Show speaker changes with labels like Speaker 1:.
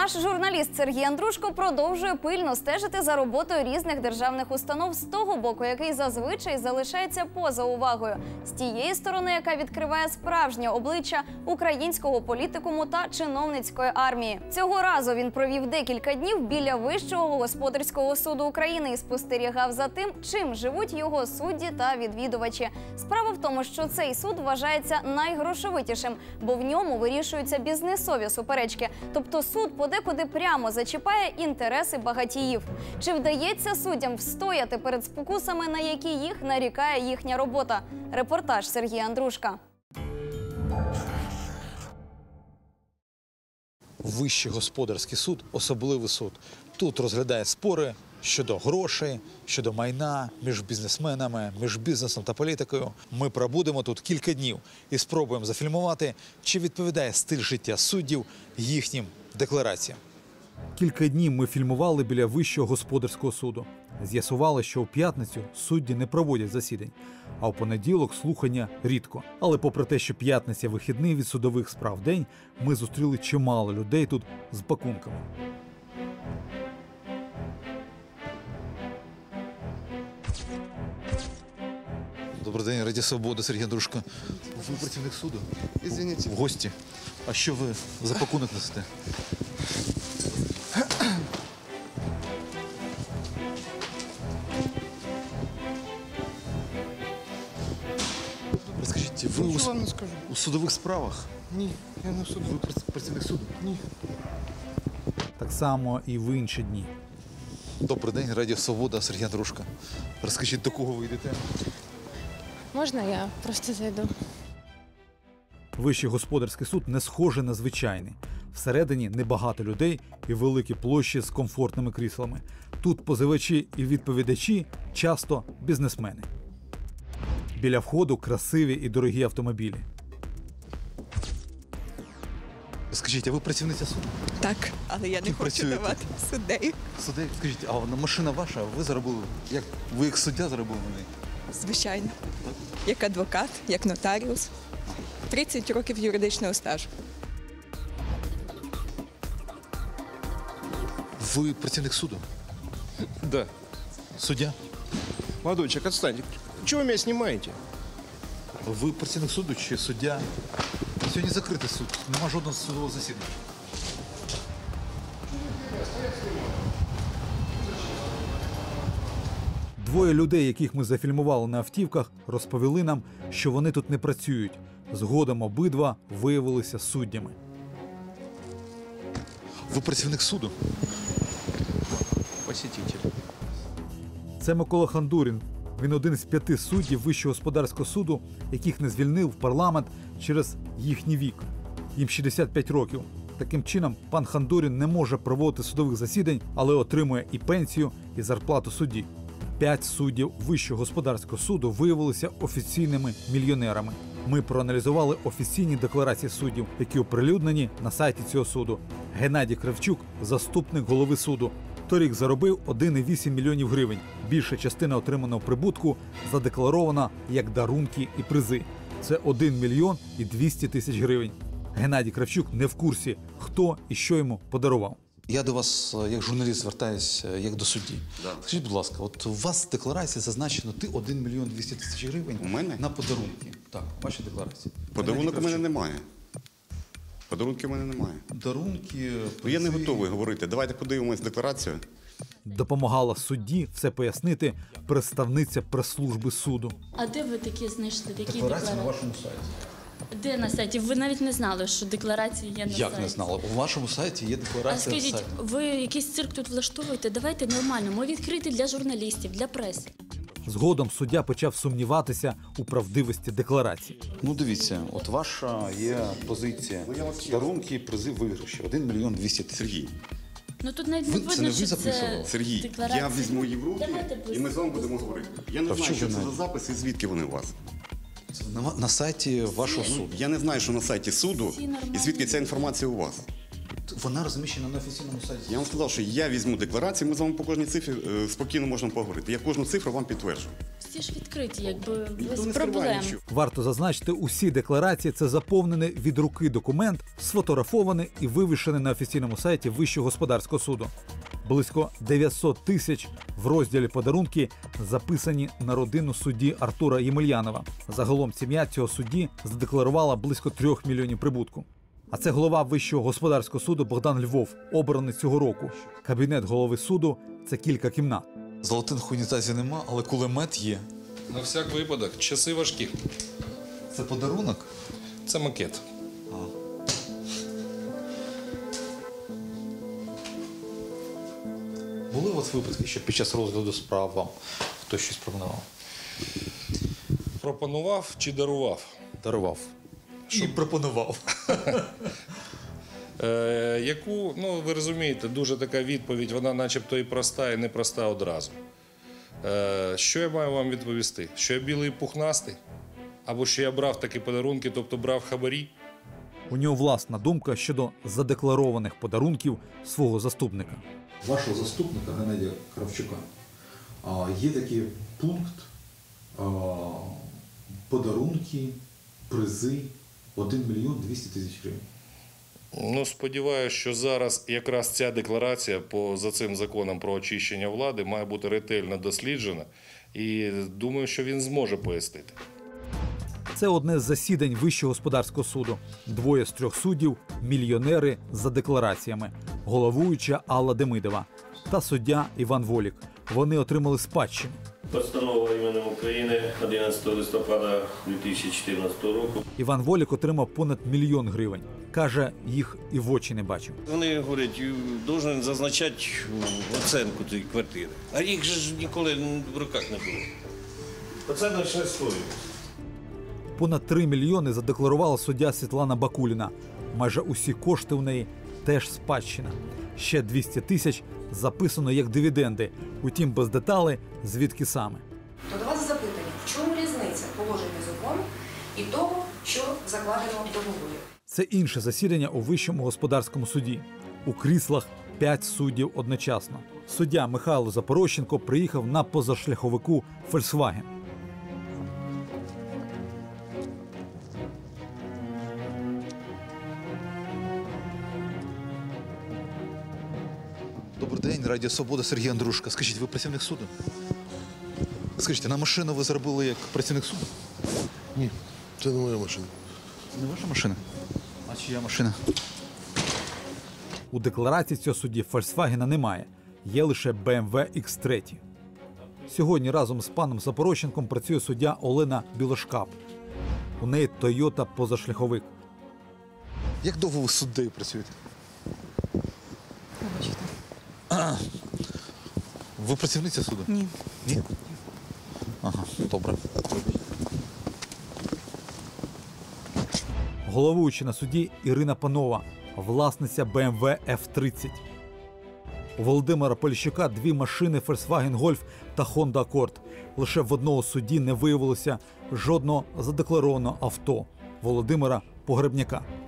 Speaker 1: Наш журналіст Сергій Андрушко продовжує пильно стежити за роботою різних державних установ з того боку, який зазвичай залишається поза увагою, з тієї сторони, яка відкриває справжнє обличчя українського політикуму та чиновницької армії. Цього разу він провів декілька днів біля Вищого господарського суду України і спостерігав за тим, чим живуть його судді та відвідувачі. Справа в тому, що цей суд вважається найгрошовитішим, бо в ньому вирішуються бізнесові суперечки. Тобто суд подекуди прямо зачіпає інтереси багатіїв. Чи вдається суддям встояти перед спокусами, на які їх нарікає їхня робота? Репортаж Сергія Андрушка.
Speaker 2: Вищий господарський суд – особливий суд. Тут розглядає спори щодо грошей, щодо майна між бізнесменами, між бізнесом та політикою. Ми пробудемо тут кілька днів і спробуємо зафільмувати, чи відповідає стиль життя суддів їхнім деклараціям. Кілька днів ми фільмували біля Вищого господарського суду. З'ясували, що у п'ятницю судді не проводять засідань, а у понеділок слухання рідко. Але попри те, що п'ятниця – вихідний від судових справ день, ми зустріли чимало людей тут з пакунками. Добрий день, Радіо Свобода, Сергій Андрушко. Ви працівник суду?
Speaker 3: Извините.
Speaker 2: В гості. А що ви за пакунок несете? Розкажіть, ви
Speaker 3: Що вам не скажу?
Speaker 2: у судових справах?
Speaker 3: Ні, я не в суду.
Speaker 2: Ви працівник суду?
Speaker 3: Ні.
Speaker 2: Так само і в інші дні. Добрий день, Радіо Свобода, Сергій Андрушко. Розкажіть, до кого ви йдете?
Speaker 4: Можна я просто зайду?
Speaker 2: Вищий господарський суд не схожий на звичайний. Всередині небагато людей і великі площі з комфортними кріслами. Тут позивачі і відповідачі часто бізнесмени. Біля входу красиві і дорогі автомобілі. Скажіть, а ви працівниця суду?
Speaker 5: Так, але я не хочу
Speaker 2: працюєте?
Speaker 5: давати суддею.
Speaker 2: Суддя, скажіть, а машина ваша, ви заробили, ви як суддя заробили на неї?
Speaker 5: Звичайно. Як адвокат, як нотаріус. 30 років юридичного стажу.
Speaker 2: Ви працівник суду?
Speaker 3: Да.
Speaker 2: Суддя?
Speaker 3: Молодой человек, отстаньте. Чего вы меня снимаете?
Speaker 2: Ви працівник суду чи суддя? Сьогодні закритий суд, нема жодного судового засідання. Двоє людей, яких ми зафільмували на автівках, розповіли нам, що вони тут не працюють. Згодом обидва виявилися суддями. Ви працівник суду?
Speaker 3: Посетитель.
Speaker 2: Це Микола Хандурін. Він один з 5 суддів Вищого господарського суду, яких не звільнив парламент через їхній вік. Їм 65 років. Таким чином, пан Хандурін не може проводити судових засідань, але отримує і пенсію, і зарплату судді. 5 суддів Вищого господарського суду виявилися офіційними мільйонерами. Ми проаналізували офіційні декларації суддів, які оприлюднені на сайті цього суду. Геннадій Кравчук – заступник голови суду. Торік заробив 1,8 мільйонів гривень. Більша частина отриманого прибутку задекларована як дарунки і призи. Це 1 мільйон і 200 тисяч гривень. Геннадій Кравчук не в курсі, хто і що йому подарував. Я до вас, як журналіст, звертаюся, як до судді.
Speaker 6: Да.
Speaker 2: Скажіть, будь ласка, от у вас в декларації зазначено, ти 1 мільйон 200 тисяч гривень
Speaker 6: У мене?
Speaker 2: на подарунки. Так, ваші декларації.
Speaker 6: Подарунок у мене немає. Подарунків у мене немає.
Speaker 2: Дарунки,
Speaker 6: Ну, я не
Speaker 2: призи.
Speaker 6: готовий говорити. Давайте подивимось декларацію.
Speaker 2: Допомагала судді все пояснити представниця прес-служби суду.
Speaker 7: А де ви такі знайшли? Такі
Speaker 2: Декларація на
Speaker 7: декларації?
Speaker 2: вашому сайті.
Speaker 7: Де на сайті? Ви навіть не знали, що декларації є на сайті.
Speaker 2: Як не знала? У вашому сайті є
Speaker 7: А
Speaker 2: декларація на
Speaker 7: скажіть,
Speaker 2: сайті.
Speaker 7: ви якийсь цирк тут влаштовуєте? Давайте нормально. Ми відкриті для журналістів, для преси.
Speaker 2: Згодом суддя почав сумніватися у правдивості декларації. Ну дивіться, от ваша є позиція. Дарунки, призи, виграші. 1 мільйон 200 тисяч.
Speaker 6: Сергій,
Speaker 7: Ну тут навіть не
Speaker 2: Це
Speaker 7: видно,
Speaker 2: не ви
Speaker 7: що
Speaker 2: записували?
Speaker 7: це
Speaker 6: Сергій,
Speaker 7: декларація.
Speaker 6: я візьму її в руки
Speaker 7: Давайте без-
Speaker 6: і ми з вами будемо говорити. Я не
Speaker 2: Та в
Speaker 6: знаю, що
Speaker 2: чому
Speaker 6: це
Speaker 2: навіть?
Speaker 6: за записи і звідки вони у вас.
Speaker 2: Це на сайті вашого суду.
Speaker 6: Я не знаю, що на сайті суду
Speaker 7: Всі нормальні.
Speaker 6: і звідки ця інформація у вас.
Speaker 2: Вона розміщена на офіційному сайті.
Speaker 6: Я вам сказав, що я візьму декларацію, ми з вами по кожній цифрі спокійно можемо поговорити. Я кожну цифру вам підтверджу.
Speaker 7: Всі всі ж відкриті, якби без проблем.
Speaker 2: Варто зазначити, усі декларації – це заповнений від руки документ, сфотографований і вивішений на офіційному сайті Вищого господарського суду. Близько 900 тисяч в розділі «Подарунки» записані на родину судді Артура Ємельянова. Загалом сім'я цього судді задекларувала близько 3 мільйонів прибутку. А це голова Вищого господарського суду Богдан Львов, обраний цього року. Кабінет голови суду – це кілька кімнат.
Speaker 8: Золотих в унітазі нема, але кулемет є.
Speaker 9: На всяк випадок, часи важкі.
Speaker 8: Це подарунок?
Speaker 9: Це макет.
Speaker 8: Були у вас випадки, що під час розгляду справ вам хтось щось пропонував?
Speaker 9: Пропонував чи дарував?
Speaker 8: Дарував. І пропонував.
Speaker 9: Яку, ну ви розумієте, дуже така відповідь, вона начебто і проста, і непроста одразу. Що я маю вам відповісти? Що я білий і пухнастий? Або що я брав такі подарунки, тобто брав хабарі?
Speaker 2: У нього власна думка щодо задекларованих подарунків свого заступника.
Speaker 10: Вашого заступника Геннадія Кравчука є такий пункт подарунки, призи 1 мільйон 200 тисяч гривень.
Speaker 9: Ну, сподіваюся, що зараз якраз ця декларація за цим законом про очищення влади має бути ретельно досліджена і думаю, що він зможе пояснити.
Speaker 2: Це одне з засідань Вищого господарського суду. 2 з 3 суддів – мільйонери за деклараціями. Головуюча Алла Демидова та суддя Іван Волік. Вони отримали спадщину.
Speaker 11: Постанова іменем України 11 листопада 2014 року.
Speaker 2: Іван Волік отримав понад 1 мільйон гривень. Каже, їх і в очі не бачив.
Speaker 11: Вони говорять, должен зазначати оцінку цієї квартири. А їх ж ніколи в руках не було. Оце наша історія.
Speaker 2: Понад 3 мільйони задекларувала суддя Світлана Бакуліна. Майже усі кошти у неї теж спадщина. Ще 200 тисяч записано як дивіденди, утім без деталей, звідки саме.
Speaker 12: То до вас запитання, в чому різниця положення закону і того, що закладено в договорі?
Speaker 2: Це інше засідання у Вищому господарському суді. У кріслах 5 суддів одночасно. Суддя Михайло Запорощенко приїхав на позашляховику «Фольксваген».
Speaker 8: Добрий день, Радіо Свобода, Сергій Андрушко. Скажіть, ви працівник суду? Скажіть, на машину ви зробили як працівник суду?
Speaker 3: Ні, це не моя машина.
Speaker 8: Не ваша машина? А чия машина?
Speaker 2: У декларації цього судді «Фольксвагена» немає. Є лише BMW X3. Сьогодні разом з паном Запорощенком працює суддя Олена Білошкап. У неї Toyota позашляховик.
Speaker 8: Як довго ви суддею працюєте?
Speaker 5: Вибачте.
Speaker 8: Ви працівниця суду?
Speaker 5: Ні.
Speaker 8: Ні? Ага, добре.
Speaker 2: Головуюча на суді Ірина Панова, власниця BMW F30. У Володимира Поліщука 2 машини Volkswagen Golf та Honda Accord. Лише в одного судді не виявилося жодного задекларованого авто – Володимира Погребняка.